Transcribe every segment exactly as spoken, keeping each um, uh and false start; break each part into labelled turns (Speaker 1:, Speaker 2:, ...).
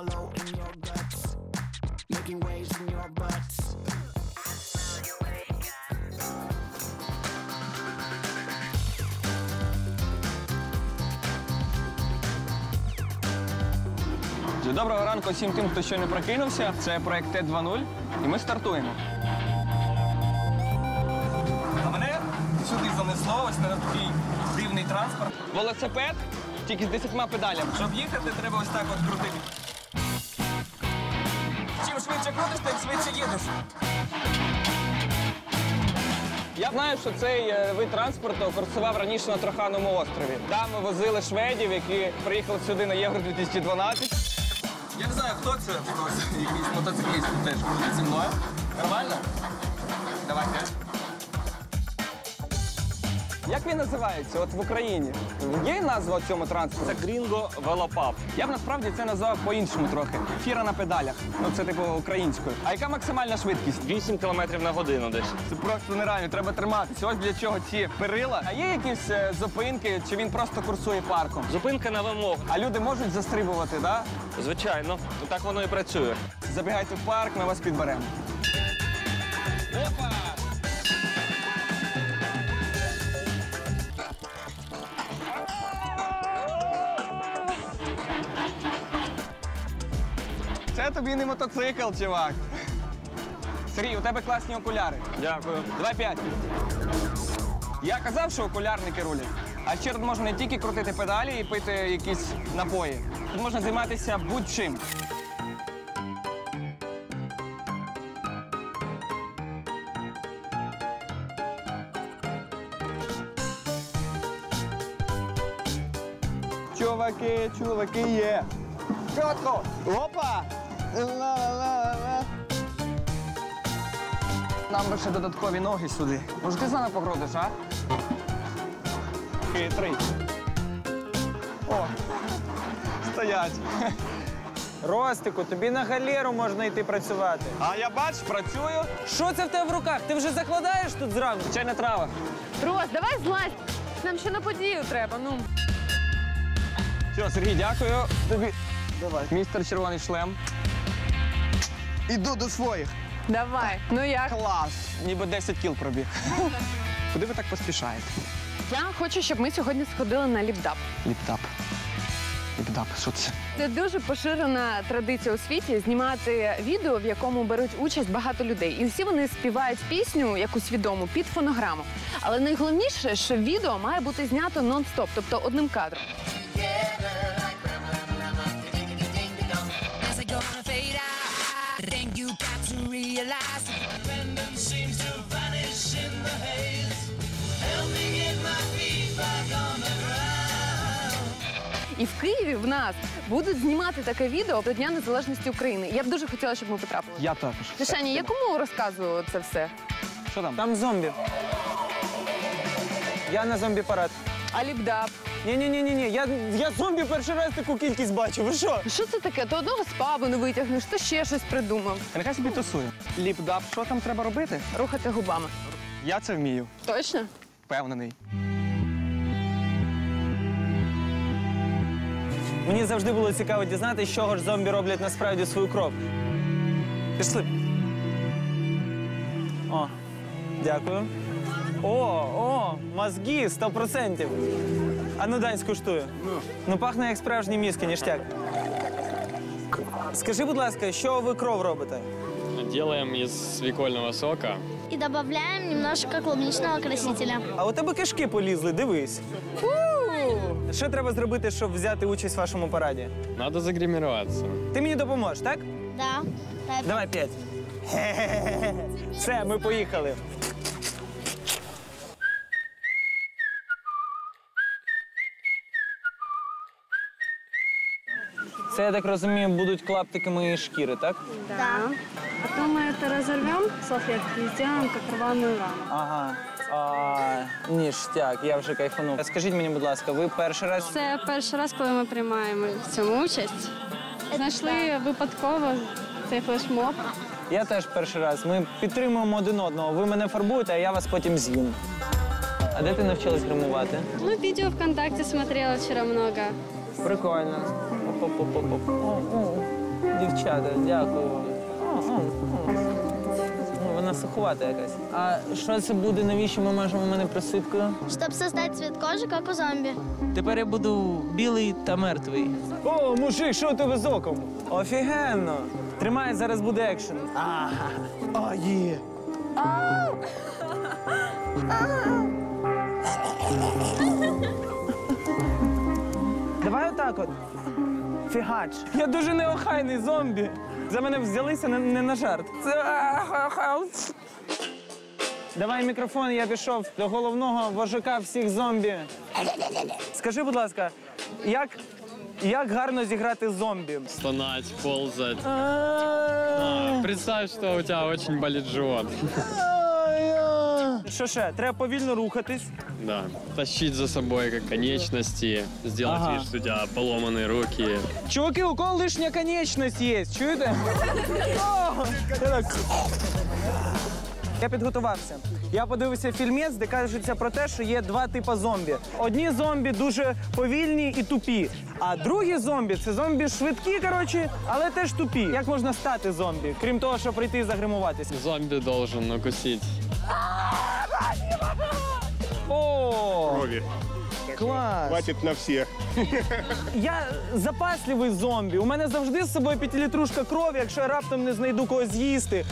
Speaker 1: hollow in your guts, making waves in your butts.
Speaker 2: Доброго ранку всім тим, хто ще не прокинувся. Це проект Т два нуль, і ми стартуємо. А мене сюди занесло, ось на такий дивний транспорт. Велосипед, тільки з десятьма педалями. Щоб їхати, треба ось так от крутити. Чим швидше крутиш, тим швидше їдеш. Я знаю, що цей вид транспорту курсував раніше на Троханому острові. Там ми возили шведів, які приїхали сюди на Євро дві тисячі дванадцять. Я не знаю, хто це, хтось, якийсь мотоцикліст теж крутить зі мною. Нормально? Давайте. Як він називається от в Україні? Є назва цьому транспорту?
Speaker 3: Це Грінго Велопаб.
Speaker 2: Я б насправді це назвав по-іншому трохи. Фіра на педалях. Ну це типу українською. А яка максимальна швидкість?
Speaker 3: вісім кілометрів на годину десь.
Speaker 2: Це просто нереально, треба триматися. Ось для чого ці перила. А є якісь е, зупинки, чи він просто курсує парком?
Speaker 3: Зупинка на вимогу.
Speaker 2: А люди можуть застрибувати, так?
Speaker 3: Звичайно, так воно і працює.
Speaker 2: Забігайте в парк, ми вас підберемо. Опа! Це тобі не мотоцикл, чувак. Сергій, у тебе класні окуляри.
Speaker 3: Дякую.
Speaker 2: Давай п'ять. Я казав, що окулярники рулять. А ще тут можна не тільки крутити педалі і пити якісь напої. Тут можна займатися будь-чим. Чуваки, чуваки, є. Чотко! Опа! Ла-ла-ла-ла. Нам би ще додаткові ноги сюди. Може, ти з нами погрозиш, а? Хитрий. О, стоять.
Speaker 4: Ростику, тобі на галеру можна йти працювати.
Speaker 2: А я бач, працюю.
Speaker 4: Що це в тебе в руках? Ти вже закладаєш тут зранку?
Speaker 2: Чайна трава.
Speaker 5: Рос, давай злазь. Нам ще на подію треба, ну.
Speaker 2: Все, Сергій, дякую. Тобі. Давай. Містер Червоний шлем. Іду до своїх.
Speaker 5: Давай. Ну як?
Speaker 2: Клас. Ніби десять кіл пробіг. Куди ви так поспішаєте?
Speaker 5: Я хочу, щоб ми сьогодні сходили на ліпдап.
Speaker 2: Ліптап. Ліптап, що це?
Speaker 5: Це дуже поширена традиція у світі знімати відео, в якому беруть участь багато людей. І всі вони співають пісню, якусь відому, під фонограму. Але найголовніше, що відео має бути знято нон-стоп, тобто одним кадром. І в Києві в нас будуть знімати таке відео до Дня Незалежності України. Я б дуже хотіла, щоб ми потрапили.
Speaker 2: Я також.
Speaker 5: Тишані, я кому розказую це все?
Speaker 2: Що там?
Speaker 4: Там зомбі. Я на зомбі-парад.
Speaker 5: А ліпдап?
Speaker 4: Ні-ні-ні, я, я зомбі перший раз таку кількість бачу. Ви що?
Speaker 5: Що це таке? То одного з пабу не витягнеш, то ще щось придумав.
Speaker 2: Нехай собі тусує. Ліпдап, що там треба робити?
Speaker 5: Рухати губами.
Speaker 2: Я це вмію.
Speaker 5: Точно?
Speaker 2: Впевнений.
Speaker 4: Мені завжди було цікаво дізнатися, з чого ж зомбі роблять насправді свою кров. Пішли. О, дякую. О, о, мозги, сто відсотків. А ну дай скуштую. Ну, пахне як справжні мізки, ніштяк. Скажи, будь ласка, що ви кров робите?
Speaker 6: Делаем из свекольного сока.
Speaker 7: И добавляем немножко клубничного красителя.
Speaker 4: А у тебе кишки полізли, дивись. Що треба зробити, щоб взяти участь в вашому параді?
Speaker 6: Надо загримироваться.
Speaker 4: Ти мені допоможеш, так?
Speaker 7: Да. Да.
Speaker 4: Давай п'ять. Хе-хе-хе. Все, ми поїхали. Це, я так розумію, будуть клаптики моєї шкіри, так?
Speaker 7: Да.
Speaker 8: Потом мы это разорвем, салфетки, и сделаем как рваную рану.
Speaker 4: Ага. А, ніштяк, я вже кайфанув. Скажіть мені, будь ласка, ви перший раз...
Speaker 8: Це перший раз, коли ми приймаємо в цьому участь. Знайшли випадково цей флешмоб.
Speaker 4: Я теж перший раз. Ми підтримуємо один одного. Ви мене фарбуєте, а я вас потім з'їм. А де ти навчилась гримувати?
Speaker 8: Ну, видео ВКонтакте смотрела вчера много.
Speaker 4: Прикольно. Оп-оп-оп-оп. О, о. дівчата, дякую вам. О, о, о. Ну, вона суховата якась. А що це буде, навіщо ми мажемо мене присипкою?
Speaker 7: Чтобы создать цвет кожи, как у зомби.
Speaker 4: Тепер я буду білий та мертвий. О, мужик, що у тебе з оком? Офігенно. Тримай, зараз буде екшен. Ага. А, є. Давай отак от. Фігач. Я дуже неохайний зомбі. За мене взялися не, не на жарт. Це... Давай мікрофон, я пішов до головного вожака всіх зомбі. Скажи, будь ласка, як, як гарно зіграти зомбі?
Speaker 6: Стонать, ползать. А, представь, что у тебя очень болит живот.
Speaker 4: Що ще? Треба повільно рухатись.
Speaker 6: Да. Тащить за собой как конечности, сделать
Speaker 4: Ага.
Speaker 6: вид, что у тебя поломанные руки.
Speaker 4: Чуваки, у кого лишня конечність є, чуєте? О, я так. Я підготувався. Я подивився фільмець, де кажеться про те, що є два типи зомбі. Одні зомбі дуже повільні і тупі, а другі зомбі – це зомбі швидкі, коротше, але теж тупі. Як можна стати зомбі, крім того, щоб прийти і загримуватися?
Speaker 6: Зомби должен укусить.
Speaker 4: О,
Speaker 9: Крови.
Speaker 4: клас!
Speaker 9: Хватит на всех.
Speaker 4: Я запасливий зомбі. У мене завжди з собою п'ятилітрушка крові, якщо я раптом не знайду когось з'їсти.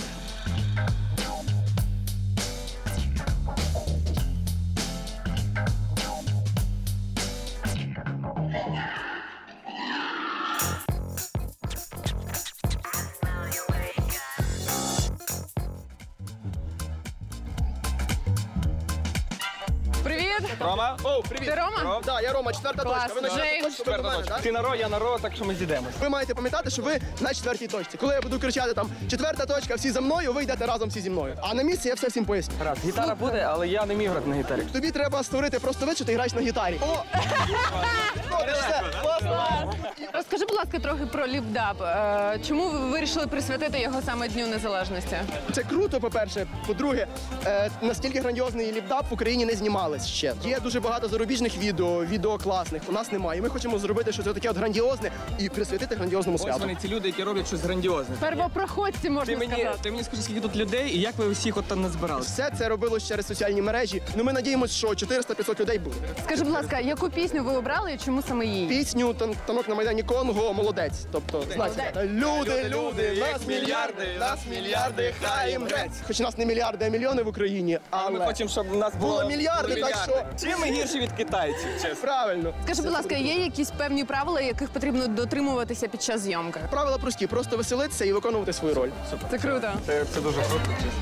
Speaker 5: Привіт!
Speaker 2: Рома?
Speaker 10: О, привіт.
Speaker 5: Ти Рома?
Speaker 10: Да, я Рома, четверта
Speaker 5: Клас.
Speaker 10: точка. Ви на четвертій
Speaker 5: Джеймс.
Speaker 10: точці, ви до мене, так?
Speaker 2: Ти на ро, я на ро, так що ми зійдемось.
Speaker 10: Ви маєте пам'ятати, що ви на четвертій точці. Коли я буду кричати там четверта точка, всі за мною, ви йдете разом всі зі мною. А на місці я все всім поясню.
Speaker 2: Раз, гітара буде, але я не міг грати на гітарі.
Speaker 10: Тобі треба створити просто вид, що ти граєш на гітарі. О! Добре, все, класно.
Speaker 5: Розкажи, будь ласка, трохи про ліпдаб. Е, Чому ви вирішили присвятити його саме Дню Незалежності?
Speaker 10: Це круто, по-перше. По-друге, е, настільки грандіозний ліпдап в Україні не знімались ще. Є дуже багато зарубіжних відео, відео класних. У нас немає. І ми хочемо зробити щось таке от грандіозне і присвятити грандіозному
Speaker 2: Ось
Speaker 10: святу.
Speaker 2: вони, ці люди, які роблять щось грандіозне.
Speaker 5: Первопроходці, можна
Speaker 2: Ти мені,
Speaker 5: сказати.
Speaker 2: ти мені скажи, скільки тут людей і як ви усіх от там назбирали?
Speaker 10: Все це робилось через соціальні мережі. Ну ми надіємося, що чотириста-п'ятсот людей буде.
Speaker 5: Скажи, будь ласка, яку пісню ви обрали і чому саме її?
Speaker 10: Пісню «Тан- танок на Майдані Конго молодець. Тобто, знаєте, люди, люди, нас мільярди, нас мільярди, хай їм грець. Хоч нас не мільярди, а мільйони в Україні, але
Speaker 2: Ми хочемо, щоб у нас було,
Speaker 10: Було мільярди, так що-
Speaker 2: Чим ми гірші від китайців, чесно?
Speaker 10: правильно.
Speaker 5: Скажи, будь ласка, є якісь певні правила, яких потрібно дотримуватися під час зйомки?
Speaker 10: Правила прості, просто веселитися і виконувати свою роль.
Speaker 5: Це круто.
Speaker 2: Це, це дуже круто, чесно.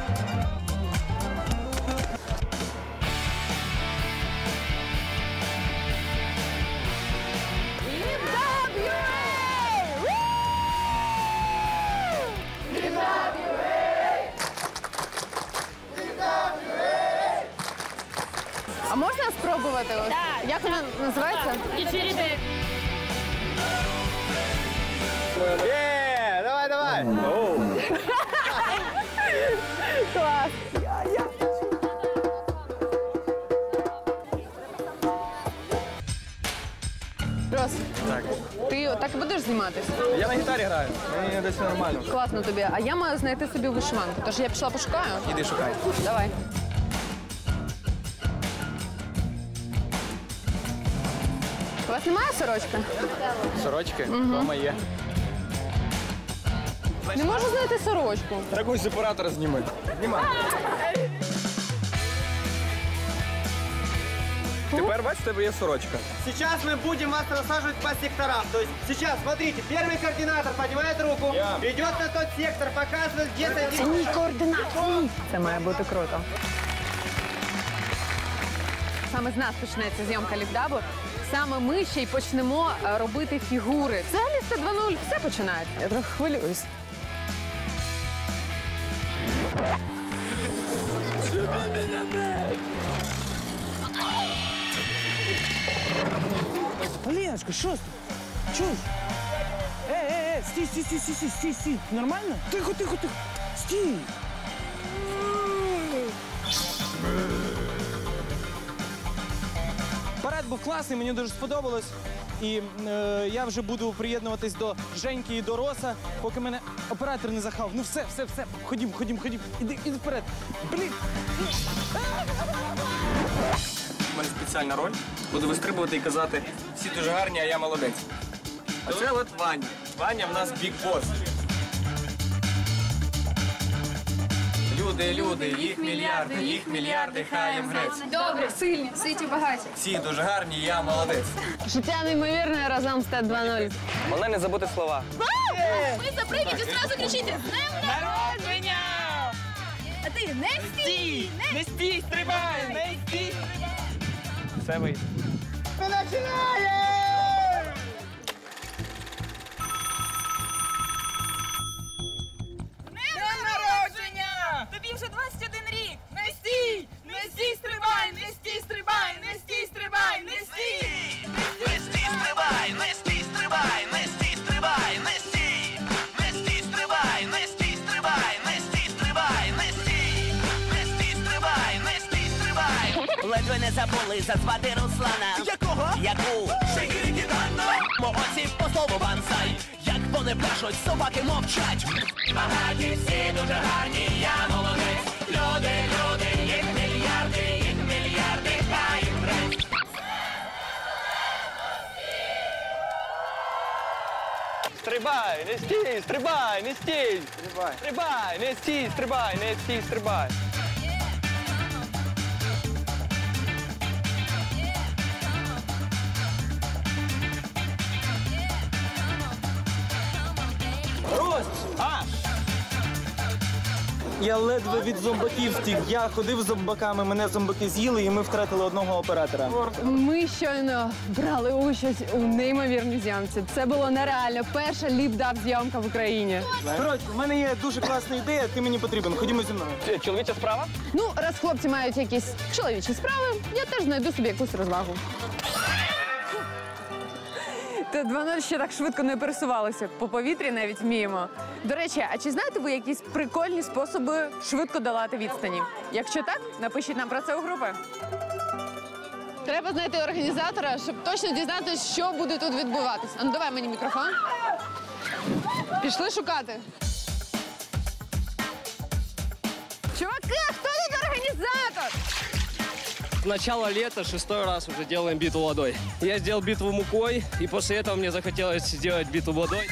Speaker 5: А можна спробувати? Ось? Як вона називається?
Speaker 10: Є, давай, давай.
Speaker 5: Клас. Рос, ти так і будеш зніматися?
Speaker 2: Я на гітарі граю, мені десь нормально.
Speaker 5: Класно тобі. А я маю знайти собі вишиванку. Тож я пішла пошукаю.
Speaker 2: Іди шукай.
Speaker 5: Давай. У вас немає сорочки?
Speaker 2: Сорочки, дома є.
Speaker 5: Не можу знайти сорочку.
Speaker 2: Таку з оператора зніми. Знімай. Тепер, бачиш, в тебе є сорочка.
Speaker 11: Сейчас мы будем вас рассаживать по секторам. То есть сейчас, смотрите, первый координатор поднимает руку, идет на тот сектор, показывает, где садится.
Speaker 5: Координації. Це має бути круто. Саме з нас почнеться зйомка ліпдабу. Саме ми ще й почнемо е, робити фігури. Взагалі сто два нуль все починається. Я трохи хвилююсь.
Speaker 4: Оленочка, що ти? Чуєш? Е, е, е, стій, стій, стій, стій, стій, стій, стій. Нормально? Тихо, тихо, тихо. Стій. Парад був класний, мені дуже сподобалось. І е, я вже буду приєднуватись до Женьки і до Роса, поки мене оператор не захав. Ну все, все, все. Ходім, ходім, ходім. Іди, іди вперед. Блін.
Speaker 2: У мене спеціальна роль. Буду вистрибувати і казати, всі дуже гарні, а я молодець. А це от Ваня. Ваня в нас бік-бос. Люди, люди, їх мільярди, їх мільярди, хай їм грець.
Speaker 8: Добре, сильні, ситі, багаті.
Speaker 2: Всі дуже гарні, я молодець.
Speaker 5: Життя неймовірне разом з Т два нуль.
Speaker 2: Головне не забути слова.
Speaker 7: Ви запрыгните, сразу кричите «З днем народження!» А ти не стій!
Speaker 4: Не стій, стрибай, не стій.
Speaker 2: Це вийде.
Speaker 1: Днем народження! Тобі вже двадцять один рік! Не стій! Не стій, стрибай! Не стій, стрибай! Не стій, стрибай! Не стій!
Speaker 9: Не стій, стрибай! Не стій, стрибай! Не стій, стрибай! Не стій! Не стій, стрибай! Не стій, стрибай! Не стій, стрибай! Не стій! Не стій, стрибай! Не стій, стрибай! Ледве не забули зазвати Руслана. Якого? Яку? Шигірі-гідано! Молодці по слову бансай. Як вони пляшуть, собаки мовчать. Багаті всі дуже гарні, я молодець. Люди, люди, їх мільярди, їх мільярди, хай їм грець.
Speaker 2: Стрибай, не стій, стрибай, не стій. Стрибай. Стрибай, не стій, стрибай, не стій, стрибай.
Speaker 4: Рос!
Speaker 2: А!
Speaker 4: Я ледве від зомбаків втік. Я ходив з зомбаками, мене зомбаки з'їли, і ми втратили одного оператора.
Speaker 5: Ми щойно брали участь у неймовірній зйомці. Це було нереально. Перша ліп-дап зйомка в Україні.
Speaker 4: Коротше, в мене є дуже класна ідея, ти мені потрібен. Ходімо зі мною.
Speaker 2: Це чоловіча справа?
Speaker 5: Ну, раз хлопці мають якісь чоловічі справи, я теж знайду собі якусь розвагу. Т два нуль ще так швидко не пересувалося. По повітрі навіть вміємо. До речі, а чи знаєте ви якісь прикольні способи швидко долати відстані? Якщо так, напишіть нам про це у групи. Треба знайти організатора, щоб точно дізнатися, що буде тут відбуватися. А ну давай мені мікрофон. Пішли шукати. Чуваки, хто тут організатор?
Speaker 3: Начало лета, шестой раз уже делаем битву водой. Я сделал битву мукой, и после этого мне захотелось сделать битву водой.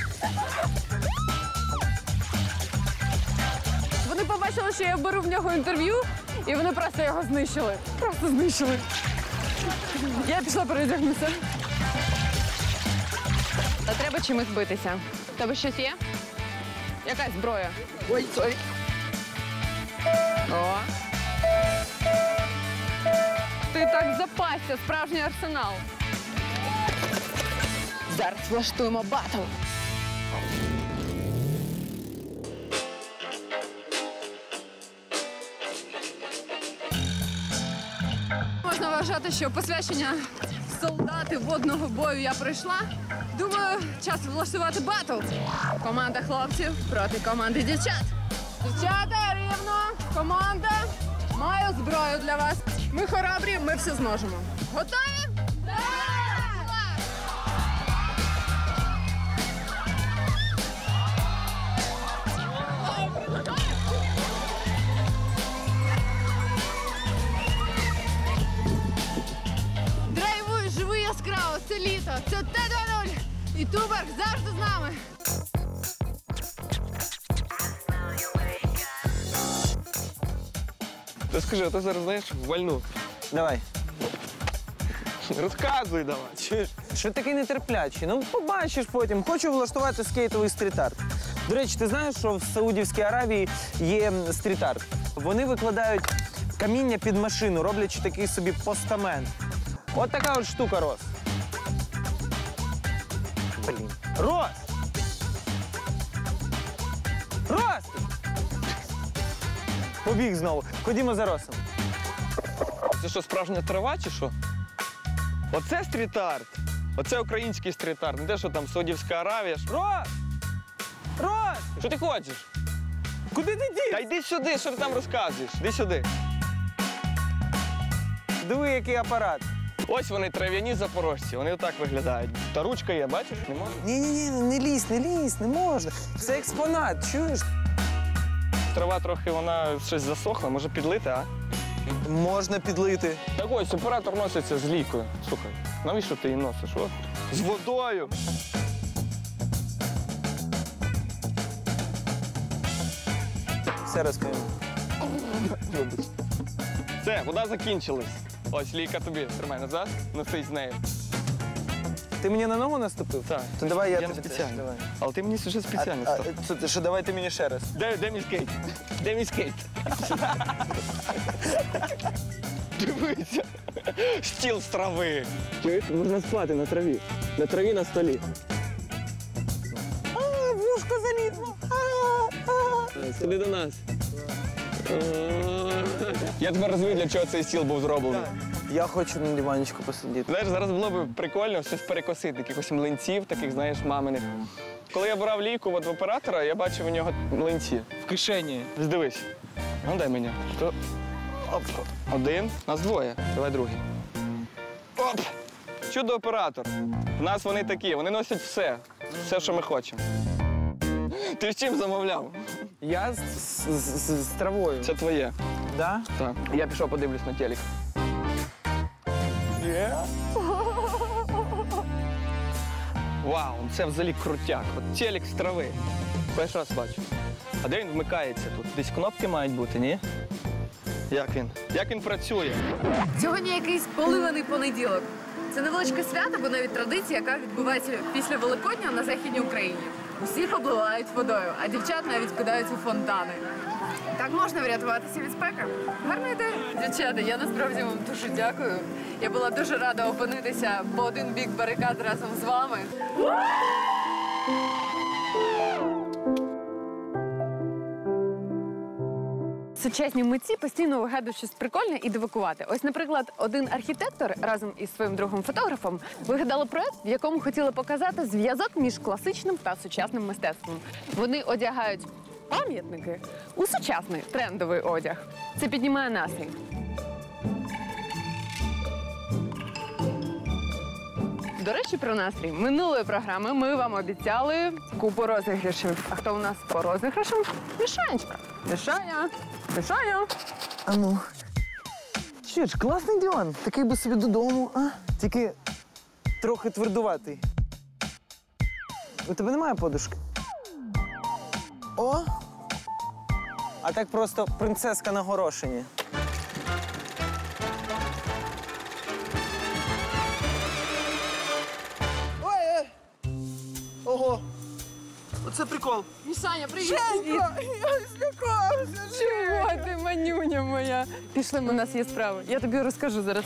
Speaker 5: Вони побачили, що я беру в нього інтерв'ю, і вони просто його знищили. Просто знищили. Я пішла переодягнутися. Та треба чимось битися. В тебе щось є? Якась зброя? Ой, сорі. О. Ти так запасся, справжній арсенал. Зараз влаштуємо батл. Можна вважати, що посвячення солдати водного бою я пройшла. Думаю, час влаштувати батл. Команда хлопців проти команди дівчат. Дівчата, рівно. Команда. Маю зброю для вас. Ми хоробрі, ми все зможемо. Готові? Так! Драйвуй, живи яскраво, це літо, це Т два нуль. І Туберг завжди з нами.
Speaker 2: Ти скажи, а ти зараз знаєш вальну.
Speaker 4: Давай.
Speaker 2: Розказуй давай.
Speaker 4: Чуєш, що такий нетерплячий? Ну, побачиш потім. Хочу влаштувати скейтовий стріт-арт. До речі, ти знаєш, що в Саудівській Аравії є стріт-арт? Вони викладають каміння під машину, роблячи такий собі постамент. От така от штука, Рос. Блін. Рос! Рос! Побіг знову. Ходімо за Росом.
Speaker 2: Це що, справжня трава чи що? Оце стріт-арт. Оце український стріт-арт. Не те, що там Саудівська Аравія.
Speaker 4: Рос! Рос!
Speaker 2: Що ти хочеш?
Speaker 4: Куди ти дів?
Speaker 2: Та йди сюди, що ти там розказуєш? Іди сюди.
Speaker 4: Диви, який апарат.
Speaker 2: Ось вони, трав'яні запорожці, вони отак виглядають. Та ручка є, бачиш? Не можна?
Speaker 4: Ні-ні-ні, не лізь, не лізь, не можна. Це експонат, чуєш?
Speaker 2: Трава трохи, вона щось засохла, може підлити, а?
Speaker 4: Можна підлити.
Speaker 2: Так ось, оператор носиться з лікою. Слухай, навіщо ти її носиш? От. З водою.
Speaker 4: Все розповім.
Speaker 2: Все, вода закінчилась. Ось ліка тобі. Тримай назад, носись з нею.
Speaker 4: Ти мені на ногу наступив?
Speaker 2: Так.
Speaker 4: То давай я,
Speaker 2: Я не
Speaker 4: тобі
Speaker 2: спеціально.
Speaker 4: теж, давай.
Speaker 2: Але ти мені вже спеціально
Speaker 4: А,
Speaker 2: став.
Speaker 4: а, це, що, давай ти мені ще раз.
Speaker 2: Де, де мій скейт? Де мій скейт? Дивися. Стіл з трави. Чуєш, можна спати на траві. На траві на столі.
Speaker 4: А, вушко залізло.
Speaker 2: Сюди до нас. Я тебе розумію, для чого цей стіл був зроблений.
Speaker 4: Я хочу на диванчику посидіти.
Speaker 2: Знаєш, зараз було б прикольно щось перекосити, якихось млинців, таких, знаєш, маминих. Коли я брав ліку от в оператора, я бачив у нього млинці.
Speaker 4: В кишені.
Speaker 2: Дивись. Ну, дай мені. Що? Оп. Один. Нас двоє. Давай другий. Оп! Чудо-оператор. У нас вони такі, вони носять все. Все, що ми хочемо. Ти з чим замовляв?
Speaker 4: Я з, з, з, з травою.
Speaker 2: Це твоє.
Speaker 4: Да?
Speaker 2: Так. Я пішов подивлюсь на телек. Є? Вау, це взагалі крутяк. От телек з трави. Перший раз бачу. А де він вмикається тут? Десь кнопки мають бути, ні? Як він? Як він працює?
Speaker 5: Сьогодні якийсь поливаний понеділок. Це невеличке свято, бо навіть традиція, яка відбувається після Великодня на Західній Україні. Усіх обливають водою, а дівчат навіть кидають у фонтани. Так можна врятуватися від спеки. Гарна ідея. Дівчата, я насправді вам дуже дякую. Я була дуже рада опинитися по один бік барикад разом з вами. Сучасні митці постійно вигадують щось прикольне і дивакувати. Ось, наприклад, один архітектор разом із своїм другом фотографом вигадали проект, в якому хотіли показати зв'язок між класичним та сучасним мистецтвом. Вони одягають пам'ятники у сучасний трендовий одяг. Це піднімає настрій. До речі, про настрій. Минулої програми ми вам обіцяли купу розіграшів. А хто у нас по розіграшам? Мішанечка. Мішаня. Мішаня.
Speaker 4: А ну. Що ж, класний диван. Такий би собі додому, а? Тільки трохи твердуватий. У тебе немає подушки? О! А так просто принцеска на горошині. Ой! Ого! Оце прикол.
Speaker 5: Мішаня, привіт!
Speaker 4: Женька! Я злякався!
Speaker 5: Чого ти, манюня моя? Пішли, у нас є справи. Я тобі розкажу зараз.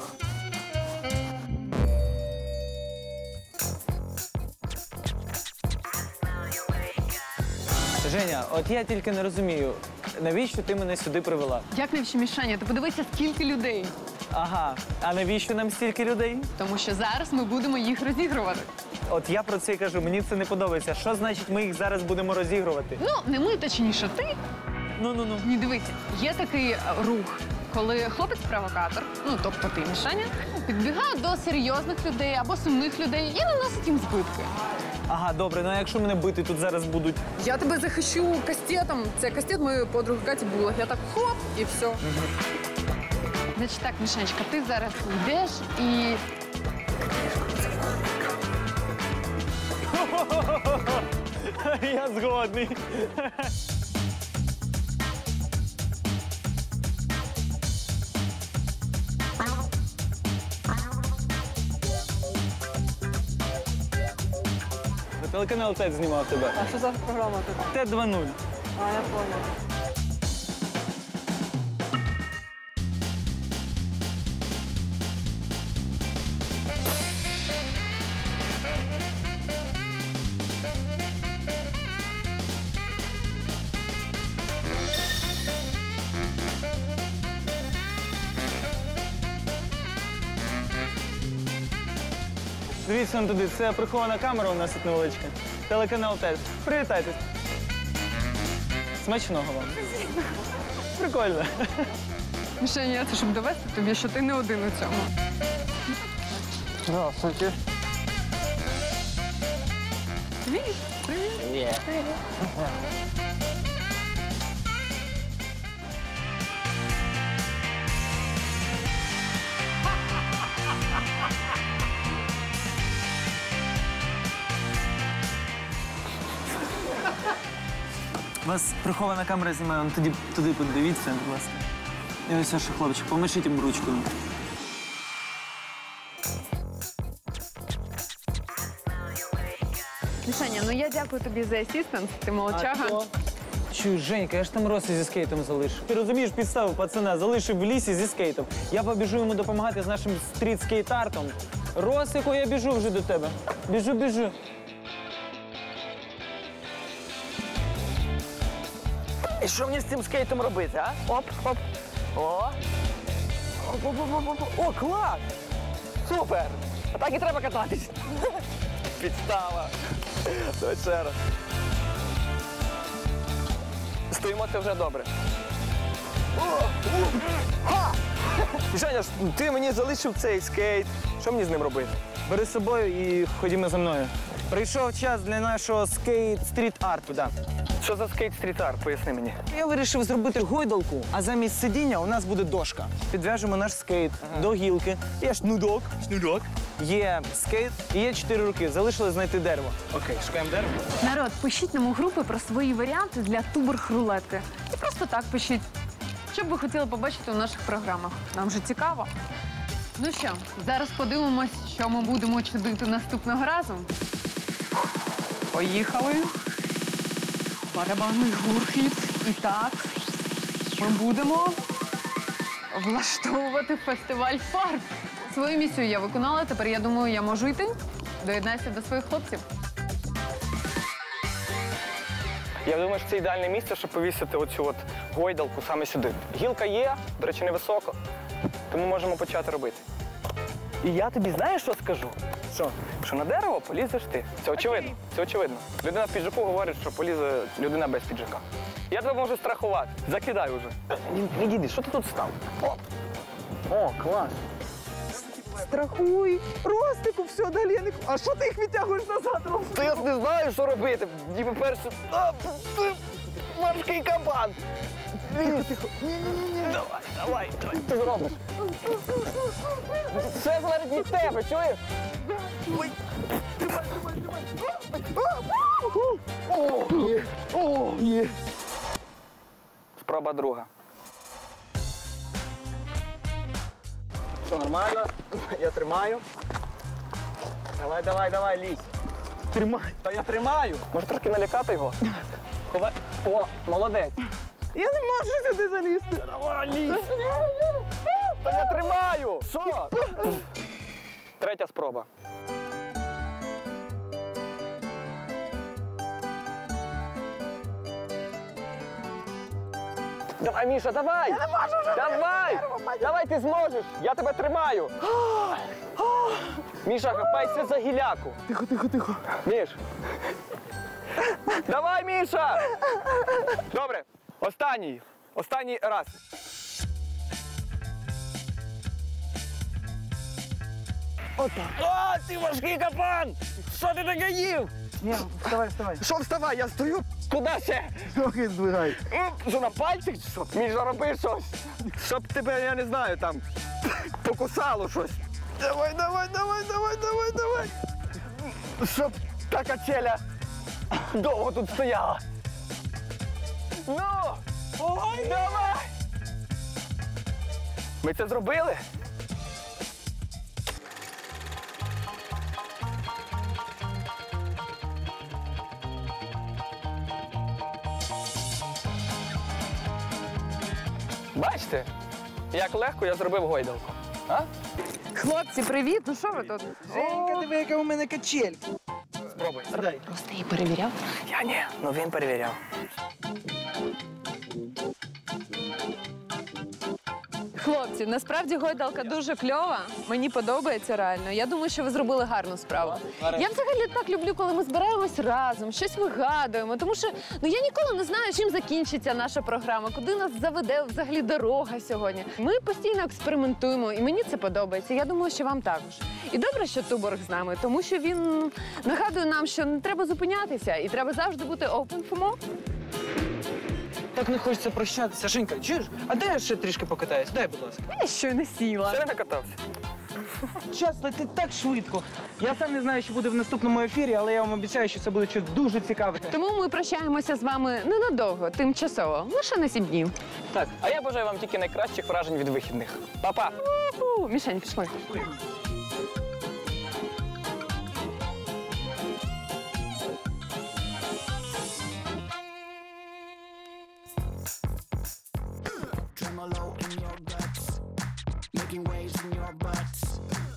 Speaker 4: Женя, от я тільки не розумію, навіщо ти мене сюди привела?
Speaker 5: Як навіщо, Мішаня? Ти подивися, скільки людей.
Speaker 4: Ага, а навіщо нам стільки людей?
Speaker 5: Тому що зараз ми будемо їх розігрувати.
Speaker 4: От я про це й кажу, мені це не подобається. Що значить ми їх зараз будемо розігрувати?
Speaker 5: Ну, не ми, точніше, ти.
Speaker 4: Ну-ну-ну.
Speaker 5: Ні, дивіться, є такий рух, коли хлопець-провокатор, ну, тобто ти, Мішаня, підбігає до серйозних людей або сумних людей і наносить їм збитки.
Speaker 4: Ага, добре, ну а якщо мене бити тут зараз будуть.
Speaker 5: Я тебе захищу кастетом. Це кастет моєї подруги Каті Булах. Я так хоп, і все. Значить так, Мішанечка, ти зараз йдеш і...
Speaker 4: Я згодний. Телеканал ТЕД знімав тебе.
Speaker 5: А що за програма тут?
Speaker 4: ТЕД два нуль.
Speaker 5: А, я поняла.
Speaker 4: Дивіться он туди, це прихована камера у нас тут невеличка. Телеканал ТЕД. Привітайтесь. Смачного вам. Прикольно.
Speaker 5: Мішаня, це щоб довести тобі, що ти не один у цьому.
Speaker 2: Здравствуйте.
Speaker 5: Привіт.
Speaker 2: Привіт.
Speaker 4: Вас прихована камера знімає, ну, тоді туди подивіться, будь ласка. І ось ваш хлопчик, помашіть їм ручкою.
Speaker 5: Мішаня, ну я дякую тобі за асістенс, ти молодчага.
Speaker 4: Чуй, Женька, я ж там роси зі скейтом залишив. Ти розумієш підставу пацана, залишив в лісі зі скейтом. Я побіжу йому допомагати з нашим стріт-скейт-артом. Росику, я біжу вже до тебе. Біжу, біжу.
Speaker 2: І що мені з цим скейтом робити, а? Оп, оп. О. Оп, оп, оп, оп, оп. О, клас! Супер! А так і треба кататись. Підстава. Давай ще раз. Стоїмо, це вже добре. О! Ха! Женя, ти мені залишив цей скейт. Що мені з ним робити?
Speaker 4: Бери з собою і ходімо за мною. Прийшов час для нашого скейт-стріт-арту, да.
Speaker 2: Що за скейт-стріт-арт? Поясни мені.
Speaker 4: Я вирішив зробити гойдалку, а замість сидіння у нас буде дошка. Підв'яжемо наш скейт до гілки. Є шнурок. Шнурок. Є скейт і є чотири руки. Залишилось знайти дерево.
Speaker 2: Окей, шукаємо дерево.
Speaker 5: Народ, пишіть нам у групи про свої варіанти для туберг-рулетки. І просто так пишіть. Що б ви хотіли побачити у наших програмах? Нам же цікаво. Ну що, зараз подивимось, що ми будемо чудити наступного разу. Поїхали. Барабанний гурхіт. І так, ми будемо влаштовувати фестиваль фарб. Свою місію я виконала, тепер я думаю, я можу йти. Доєднайся до своїх хлопців.
Speaker 2: Я думаю, що це ідеальне місце, щоб повісити оцю от гойдалку саме сюди. Гілка є, до речі, невисоко, тому можемо почати робити. І я тобі знаєш, що скажу? Що? Що на дерево полізеш ти. Це очевидно. Це очевидно. Людина в піджаку говорить, що полізе людина без піджака. Я тебе можу страхувати. Закидай уже. Відійди, що ти тут став? О, О клас.
Speaker 4: Страхуй! Ростику, все, далі я не... А що ти їх відтягуєш назад?
Speaker 2: Та я не знаю, що робити. Ніби перше... А, ти морський кабан. Тихо, тихо. Ні-ні-ні. Давай, давай, давай. Ти зробиш. Все залежить від тебе, чуєш? Ой. Тримай, тримай, тримай. О, є. О, є. Спроба друга. Все нормально. Я тримаю. Давай, давай, давай, лізь. Тримай. Та я тримаю. Може трошки налякати його? Ховай. О, молодець.
Speaker 4: Я не можу сюди залізти.
Speaker 2: Давай, лізь. Та я тримаю. Що? Третя спроба. Давай, Міша, давай! Я не можу вже! Давай! Давай, ти зможеш! Я тебе тримаю! Міша, хапайся за гіляку!
Speaker 4: Тихо, тихо, тихо.
Speaker 2: Міш! Давай, Міша! Добре, останній. Останній раз. Отак. О, ти важкий капан! Що ти таке їв?
Speaker 4: Ні, вставай, вставай.
Speaker 2: Що вставай? Я стою. Куди ще?
Speaker 4: Трохи здвигай.
Speaker 2: Що, на пальцях чи що? Міша, роби щось. Щоб тебе, я не знаю, там покусало щось. Давай, давай, давай, давай, давай, давай. Щоб та качеля довго тут стояла. Ну! Ой, давай! Ми це зробили? Бачите, як легко я зробив гойдалку. А?
Speaker 5: Хлопці, привіт! Ну що ви тут?
Speaker 4: Женька, диви, яка у мене качель.
Speaker 2: Спробуй.
Speaker 5: Просто її перевіряв.
Speaker 2: Я ні, ну він перевіряв.
Speaker 5: Хлопці, насправді гойдалка дуже кльова. Мені подобається реально. Я думаю, що ви зробили гарну справу. Я взагалі так люблю, коли ми збираємось разом, щось вигадуємо. Тому що ну я ніколи не знаю, чим закінчиться наша програма, куди нас заведе взагалі дорога сьогодні. Ми постійно експериментуємо, і мені це подобається. Я думаю, що вам також. І добре, що Туборг з нами, тому що він нагадує нам, що не треба зупинятися і треба завжди бути open for more.
Speaker 4: Так не хочеться прощатися. Женька, чуєш? А дай я ще трішки покатаюсь? Дай, будь ласка.
Speaker 5: Я щойно сіла.
Speaker 4: Ще не накатався. Час летить так швидко. Я сам не знаю, що буде в наступному ефірі, але я вам обіцяю, що це буде щось дуже цікаве.
Speaker 5: Тому ми прощаємося з вами ненадовго, тимчасово, лише на сім днів.
Speaker 2: Так, а я бажаю вам тільки найкращих вражень від вихідних. Па-па!
Speaker 5: У-ху. Мішень, пішли.
Speaker 9: Tremolo in your guts, making waves in your butts.